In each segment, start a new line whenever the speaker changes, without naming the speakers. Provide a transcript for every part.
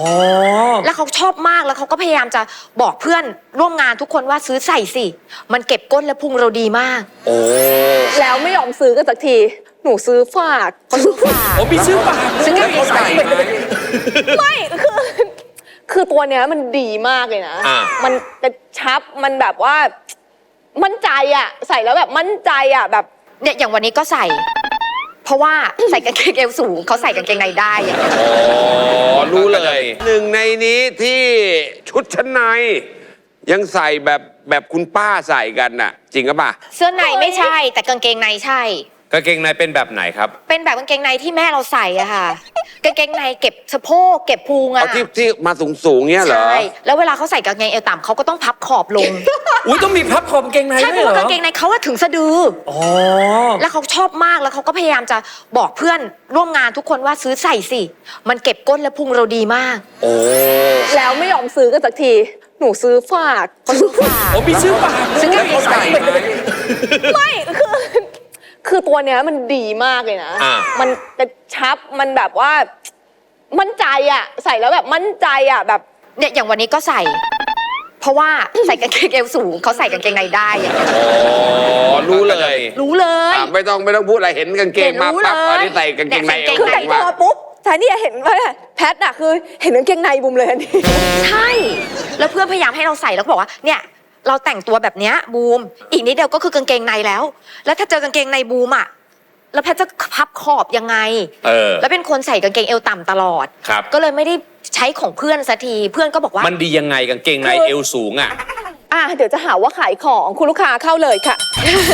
แล้วเขาชอบมากแล้วเขาก็พยายามจะบอกเพื่อนร่วมงานทุกคนว่าซื้อใส่สิมันเก็บก้นและพุงเราดีมาก
แล้วไม่ยอมซื้อกันสักทีหนูซื้อฝาก
ซื้อฝาก
มีซื้อฝาก
ซื้อกางเกงใส่
ไม่คือตัวเนี้ยมันดีมากเลยนะมันกระชับมันแบบว่ามั่นใจอ่ะใส่แล้วแบบมั่นใจอ่ะแบบ
เนี่ยอย่างวันนี้ก็ใส่เพราะว่าใส่กางเกงเอวสูงเขาใส่กางเกงในได้
รู้เลยหนึ่งในนี้ที่ชุดชั้นในยังใส่แบบคุณป้าใส่กันน่ะจริงหรือเปล่า
เสื้อในไม่ใช่แต่กางเกงในใช่
กางเกงในเป็นแบบไหนครับ
เป็นแบบกางเกงในที่แม่เราใส่อะค่ะกางเกงในเก็บสะโพกเก็บพุงอะ
ที่มาสูงเนี้ยเหรอ
ใช่แล้วเวลาเขาใส่กางเกงเอวต่ำเขาก็ต้องพับขอบลง
อุ้ยต้องมีพับขอบกางเกงใน
ใช่เพราะว่ากางเกงในเขาถึงสะดือแล้วเขาชอบมากแล้วเขาก็พยายามจะบอกเพื่อนร่วมงานทุกคนว่าซื้อใส่สิมันเก็บก้นและพุงเราดีมาก
แล้วไม่ยอมซื้อกันสักทีหนูซื้อฝาก
ซื้อฝาก
มีซื้อฝาก
ซื้อกางเกงใส่
ไม่คือตัวเนี้ยมันดีมากเลยนะมันกระชับมันแบบว่ามั่นใจอ่ะใส่แล้วแบบมั่นใจอ่ะแบบ
เนี่ยอย่างวันนี้ก็ใส่เพราะว่าใส่กางเกงเอวสูงเขาใส่กางเกงในได้
รู้เลยไม่ต้องพูดอะไรเห็นกางเกงมาปั๊บอันนี้ใส่กางเกงในเอว
คือแต่งตัวปุ๊บแต่นี่เห็นว่าแพทน่ะคือเห็นกางเกงในบุมเลยอันนี้
ใช่แล้วเพื่อนพยายามให้เราใส่แล้วก็บอกว่าเนี่ยเราแต่งตัวแบบเนี้ยบูมอีกนิดเดียวก็คือกางเกงในแล้วถ้าเจอกางเกงในบูมอ่ะแล้วแพทจะพับขอบยังไงแล้วเป็นคนใส่กางเกงเอวต่ำตลอดก็เลยไม่ได้ใช้ของเพื่อนสักทีเพื่อนก็บอกว่า
มันดียังไงกางเกงในเอวสูงอ่ะ
เดี๋ยวจะหาว่าขายของคุณลูกค้าเข้าเลยค่ะ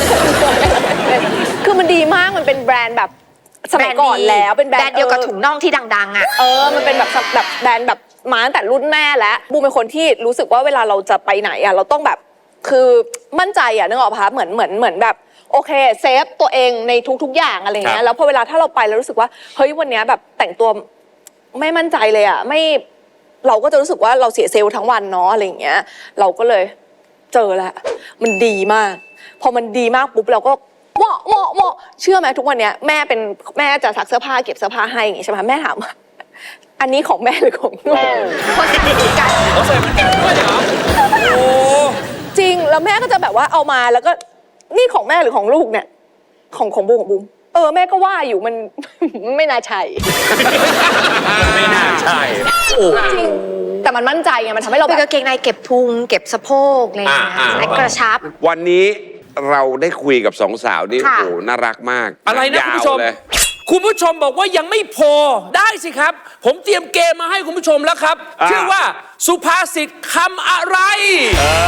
คือมันดีมากมันเป็นแบรนด์แบบสมัยก่อนแล้วเป็นแบรนด์
เดียวกับถุงน่องที่ดังๆอ่ะ
มันเป็นแบบแบรนด์แบบมาตั้งแต่รุ่นแม่แล้วบูมเป็นคนที่รู้สึกว่าเวลาเราจะไปไหนอ่ะเราต้องแบบคือมั่นใจอ่ะนึกออกปะเหมือนแบบโอเคเซฟตัวเองในทุกๆอย่างอะไรเงี้ยแล้วพอเวลาถ้าเราไปแล้วรู้สึกว่าเฮ้ยวันนี้แบบแต่งตัวไม่มั่นใจเลยอ่ะไม่เราก็จะรู้สึกว่าเราเสียเซลล์ทั้งวันเนาะอะไรเงี้ยเราก็เลยเจอแล้วมันดีมากพอมันดีมากปุ๊บเราก็เหมาะเชื่อไหมทุกวันเนี้ยแม่จะซักเสื้อผ้าเก็บเสื้อผ้าให้อย่างงี้ใช่ไหมแม่ถามอันนี้ของแม่หรือของลูก
คนจะดีกัน
เขาใส่เหมือนกันด้วยเหรอโอ้
จริงแล้วแม่ก็จะแบบว่าเอามาแล้วก็นี่ของแม่หรือของลูกเนี่ยของบูมของบูมแม่ก็ว่าอยู่มันไม่น่าใช่
ไม่น่าใช่
จริงแต่มันมั่นใจไงมันทำให้เรา
แบบกางเกงในเก็บพุงเก็บสะโพกอะไรอย่างเงี้ยและกระชับ
วันนี้เราได้คุยกับสองสาวนี่โอ้โหน่ารักมาก
อะไรนะคุณผู้ชมคุณผู้ชมบอกว่ายังไม่พอได้สิครับผมเตรียมเกมมาให้คุณผู้ชมแล้วครับชื่อว่าสุภาษิตคำอะไร